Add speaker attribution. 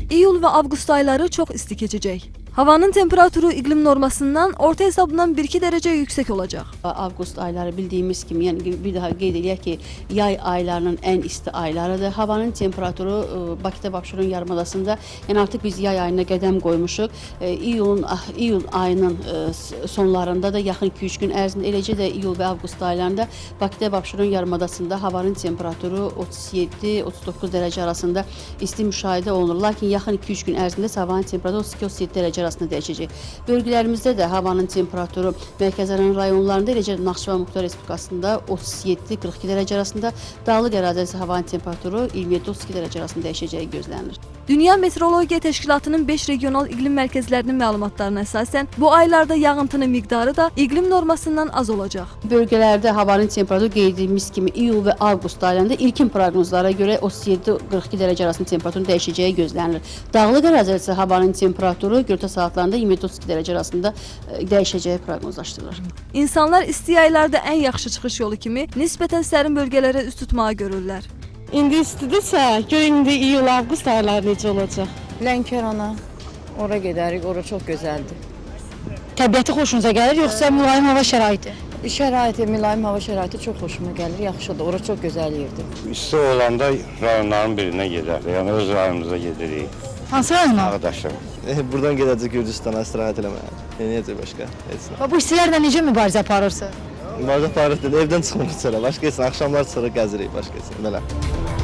Speaker 1: İyul ve avqust ayları çok isti keçəcək. Havanın temperaturu iqlim normasından orta hesabından 1-2 derece yüksek olacak.
Speaker 2: Avqust ayları bildiğimiz kimi, yəni bir daha qeyd edək ki, yay aylarının ən isti aylarıdır. Havanın temperaturu Bakıda Abşeron yarımadasında, yəni artıq biz yay ayına qədəm qoymuşuq. İyul ayının sonlarında da yaxın 2-3 gün ərzində, eləcə də iyul və avqust aylarında Bakıda Abşeron yarımadasında havanın temperaturu 37-39 dərəcə arasında isti müşahidə olunur. Lakin yaxın 2-3 gün ərzində havanın temperaturu 32-37 dərəcə arasında dəyişəcək. Bölgələrimizdə də havanın temperaturu Mərkəzi rayonlarında, eləcə Naxçıvan Muxtar Respublikasında 37-42 dərəcə arasında, dağlıq ərazidə havanın temperaturu 27-32 dərəcə arasında dəyişəcəyi gözlənilir.
Speaker 1: Dünya Meteorologiya Təşkilatının 5 regional iqlim mərkəzlərinin məlumatlarına əsasən bu aylarda yağıntının miqdarı da iqlim normasından az olacaq.
Speaker 2: Bölgələrdə havanın temperaturu qeyd edilmiş kimi iyul və avqust aylarında ilkin proqnozlara görə 37-42 dərəcə arasında temperaturun dəyişəcəyi gözlənilir. Dağlıq ərazidə isə havanın temperaturu gündüz saatlarında 27-32 dərəcə arasında dəyişəcəyi proqnozlaşdırılır.
Speaker 1: İnsanlar isti aylarda ən yaxşı çıxış yolu kimi nisbətən sərin bölgələrə üst tutmağı görürlər.
Speaker 3: İndi istidirsə, gör indi iyul-avqust ayları necə olacaq?
Speaker 4: Lənkərana, ora gedərik, ora çox gözəldir.
Speaker 5: Təbiəti xoşunuza gəlir, yoxsa mülayim hava şəraiti?
Speaker 4: Şəraiti, mülayim hava şəraiti çox xoşuma gəlir, yaxşıdır, ora çox gözəl yerdir.
Speaker 6: İsti olanda rayonların birinə gedərik, yəni öz rayonumuza gedirik.
Speaker 5: Hansı rayona?
Speaker 6: Ağdaşım.
Speaker 7: Buradan gedəcək Gürcüstana istirahət eləməyə. Necə başqa? Heç nə.
Speaker 5: Və bu istilərlə necə mübarizə aparırsınız?
Speaker 7: Mübarizə aparırıq dedi, evdən çıxmırıq çölə. Başqa heç nə, axşamlar çıxırıq, gəzirik başqa heç nə. Belə.